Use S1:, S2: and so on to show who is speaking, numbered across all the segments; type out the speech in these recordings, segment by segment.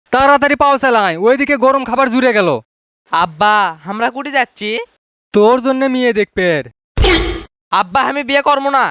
S1: তাড়াতাড়ি পাও চালাই, ওইদিকে গরম খাবার জুড়ে গেল।
S2: আব্বা আমরা কুটি যাচ্ছি।
S1: তোর জন্য মেয়ে দেখবে।
S2: আব্বা আমি বিয়ে করবো না।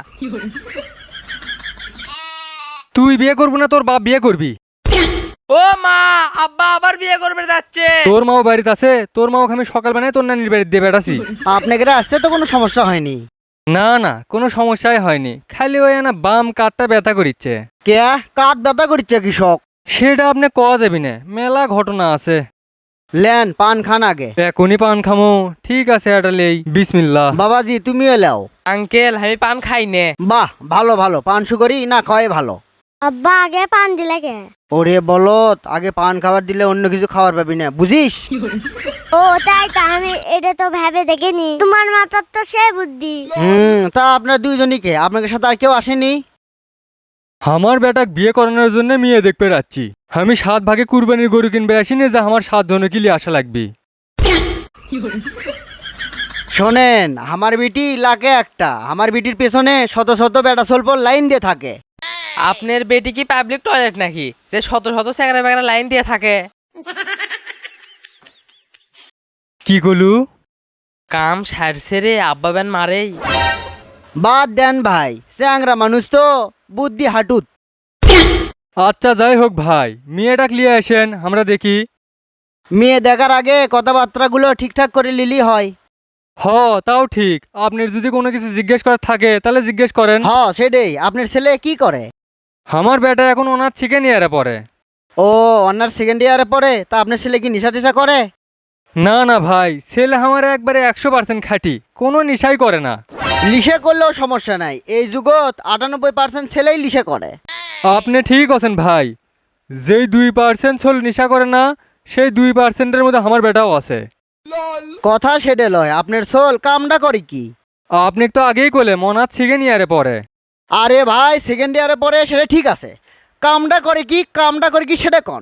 S1: তুই বিয়ে করবি না, তোর বাপ বিয়ে করবি।
S2: ও মা, আব্বা আবার বিয়ে করবে যাচ্ছে।
S1: তোর মাও বাড়িতে আছে, তোর মাও আমি সকাল বেলায় তোর নানির বাড়িতে দিয়ে বেড়াছি।
S3: আপনাকে আসতে তো কোনো সমস্যা হয়নি?
S1: না না, কোনো সমস্যাই হয়নি, খালি ওই না বাম কাঠটা ব্যথা করিচ্ছে।
S3: কে কাঠ ব্যথা করছে কৃষক?
S1: সেটা আপনি কওয়া যাবি না, মেলা ঘটনা আছে।
S3: লেন পান খান আগে।
S1: এখনই পান খামো, ঠিক আছে এটা লেই, বিসমিল্লাহ।
S3: বাবাজি তুমিও এলাও।
S2: আঙ্কেল আমি পান খাই নে।
S3: বাহ ভালো ভালো, পান সুকরি না খাওয়াই ভালো।
S4: আব্বা আগে পান দিলে কে?
S3: ওরে বলত, আগে পান খাবার দিলে অন্য কিছু খাবার পাবি না, বুঝিস?
S4: ও তাই তো, আমি এটা তো ভেবে দেখিনি। তোমার মাথার তো সে বুদ্ধি।
S3: তা আপনার দুইজনই কে? আপনাকে সাথে আর কেউ আসেনি?
S1: আমার বেটাক বিয়ে করানোর জন্য মেয়ে দেখতে যাচ্ছি। আমি 7 ভাগে কুরবানির গরু কিনবে আসিনি যে আমার 7 জন কিলি আসা লাগবে।
S3: শোনেন, আমার বিটি লাগে একটা, আমার বিটির পেছনে শত শত বেটা সল্পর লাইন দিয়ে থাকে।
S2: আপনার বেটি কি পাবলিক টয়লেট নাকি যে শত শত স্যাংরা ব্যাংরা লাইন দিয়ে থাকে?
S1: কি কলু?
S2: কাম সারছে রে, আব্বা বেন মারেই।
S3: বাদ দেন ভাই, চ্যাংরা মানুষ তো, বুদ্ধি হাঁটুত।
S1: আচ্ছা যাই হোক ভাই, মেয়েটাক লিয়ে আসেন আমরা দেখি।
S3: মেয়ে দেখার আগে কথাবার্তাগুলো ঠিকঠাক করে লিলি হয়।
S1: হ তাও ঠিক, আপনার যদি কোনো কিছু জিজ্ঞেস করার থাকে তাহলে জিজ্ঞেস করেন।
S3: হ সেটাই, আপনার ছেলে কি করে?
S1: আমার বেটা এখন ওনার চিকেন ইয়ারে পড়ে।
S3: ও অনার সেকেন্ড ইয়ারে পড়ে? তা আপনার ছেলে কি নেশা টেশা করে?
S1: না না ভাই, ছেলে আমার একবারে 100% খাঁটি, কোনো নিশাই করে না।
S3: লিশে করলেও সমস্যা নাই, এই যুগত 98% ছেলেই লিশে করে।
S1: আপনি ঠিক আছেন ভাই, যেই 2% ছোল নিশা করে না, সেই 2%-এর মধ্যে আমার বেটাও আছে।
S3: কথা সেটে লয়, আপনার সোল কামটা করে কি?
S1: আপনি তো আগেই কলে মনার চিকেন ইয়ারে পড়ে।
S3: আরে ভাই সেকেন্ড ইয়ারে পড়ে সেটা ঠিক আছে, কামটা করে কি? কামটা করে কি সেটা কন।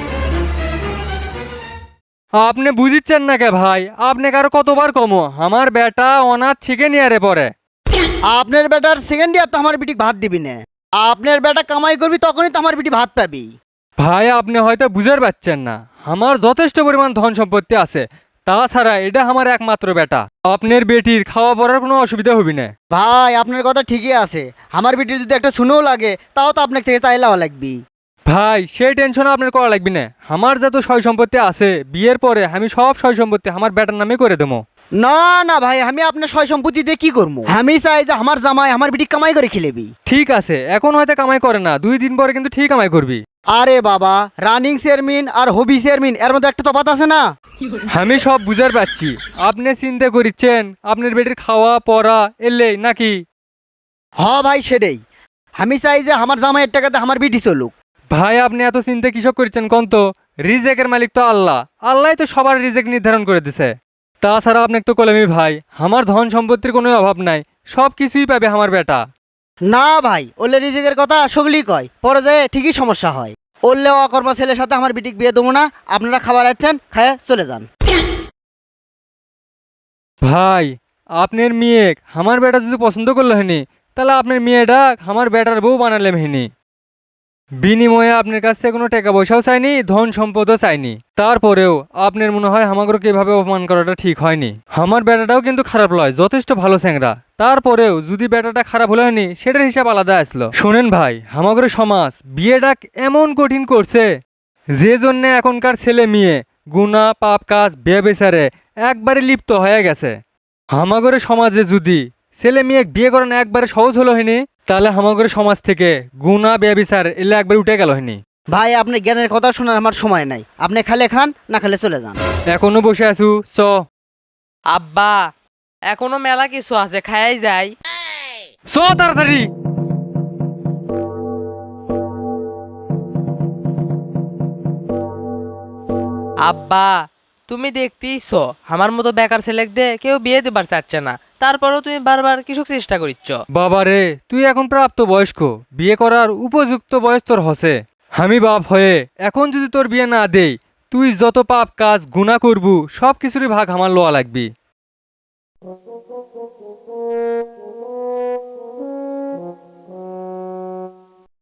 S1: আপনি বুঝিচ্ছেন না কে ভাই, আপনি কারো কতবার কমো, আমার বেটা অনাথ চিকেন ইয়ারে পড়ে।
S3: আপনার বেটার সেকেন্ড ইয়ার তো আমার বিটি ভাত দিবি না। আপনার বেটা কামাই করবি তখনই তো আমার বিটি ভাত পাবি।
S1: ভাই আপনি হয়তো বুঝতে পারছেন না, আমার যথেষ্ট পরিমাণ ধন সম্পত্তি আছে, তাছাড়া এটা আমার একমাত্র বেটা। আপনার বেটির খাওয়া পড়ার কোনো অসুবিধা হবি না।
S3: ভাই আপনার কথা ঠিকই আছে, আমার বিটির যদি একটা শুনেও লাগে তাও তো আপনার থেকে চাইলেও লাগবি।
S1: ভাই সেই টেনশন আপনার করা লাগবে না, আমার যত সয় সম্পত্তি আছে বিয়ের পরে আমি সব সয় সম্পত্তি আমার বেটার নামে করে দেবো।
S3: না না ভাই, আমি আপনার সয় সম্পত্তি দিয়ে কি করবো? আমি চাই যে আমার জামাই আমার বিটি কামাই করে খেলেবি।
S1: ঠিক আছে, এখন হয়তো কামাই করে না, 2 দিন পরে কিন্তু ঠিক কামাই করবি।
S3: আরে বাবা, রানিং চেয়ারম্যান আর হবি চেয়ারম্যান এর মধ্যে একটা তফাৎ আছে না?
S1: আমি সব বুঝার পাচ্ছি, আপনি চিন্তা করিচ্ছেন আপনার বেটির খাওয়া পড়া এলে নাকি?
S3: হ ভাই সেটাই, আমি চাই যে আমার জামাইয়ের টাকাতে আমার বিটি চলুক।
S1: ভাই আপনি এত চিন্তা কিসব করছেন কোন তো? রিজেকের মালিক তো আল্লাহ, আল্লাহ তো সবার রিজেক নির্ধারণ করে দিছে। তাছাড়া আপনাকে তো কলেমি ভাই, আমার ধন সম্পত্তির কোনো অভাব নাই, সব কিছুই পাবে আমার বেটা।
S3: না ভাই, ওলে রিজিকের কথা সগলি কয়, পরে যায় ঠিকই সমস্যা হয়। ওরলে অকর্মা ছেলের সাথে আমার বিটিক বিয়ে দেবো না, আপনারা খাবার আছেন খায় চলে যান।
S1: ভাই আপনার মেয়ে আমার বেটা যদি পছন্দ করলো হয়নি, তাহলে আপনার মেয়েটা আমার বেটার বউ বানালে হয়নি। বিনিময়ে আপনার কাছ থেকে কোনো টাকা পয়সাও চাইনি, ধন সম্পদও চাইনি, তারপরেও আপনার মনে হয় আমাকে এভাবে অপমান করাটা ঠিক হয়নি। আমার বেটাটাও কিন্তু খারাপ লয়, যথেষ্ট ভালো স্যাংরা, তারপরেও যদি বেটাটা খারাপ হলো হয়নি সেটার হিসাব আলাদা আসলো। শোনেন ভাই, আমাদের সমাজ বিয়েটা এমন কঠিন করছে, যে জন্যে এখনকার ছেলে মেয়ে গুনাহ পাপ কাজ ব্যভিচারে একবারে লিপ্ত হয়ে গেছে। আমাদের সমাজে যদি ছেলে মেয়ে বিয়ে করানো একবারে সহজ হলো হয়নি, তাহলে আমাদের সমাজ থেকে গুনাহ ব্যভিচার এলে একবার উঠে গেল হয়নি।
S3: ভাই আপনার জ্ঞানের কথা শোনার আমার সময় নাই, আপনি খালে খান না খালে চলে যান।
S1: এখনো বসে আছু, চ।
S2: আব্বা এখনো মেলা কিছু আছে, খায়াই যাই।
S1: চ তাড়াতাড়ি।
S2: আব্বা তুমি দেখতেইছ আমার মতো বেকার ছেলে দে কেউ বিয়ে দিবার চাচ্ছে না, তারপরেও তুমি বারবার কিসব চেষ্টা করিচ্ছ?
S1: বাবারে তুই এখন প্রাপ্ত বয়স্ক, বিয়ে করার উপযুক্ত বয়স তোর হসে। আমি বাপ হয়ে এখন যদি তোর বিয়ে না দেই, তুই যত পাপ কাজ গুনাহ করবু সব কিছুরই ভাগ আমার লওয়া লাগবি।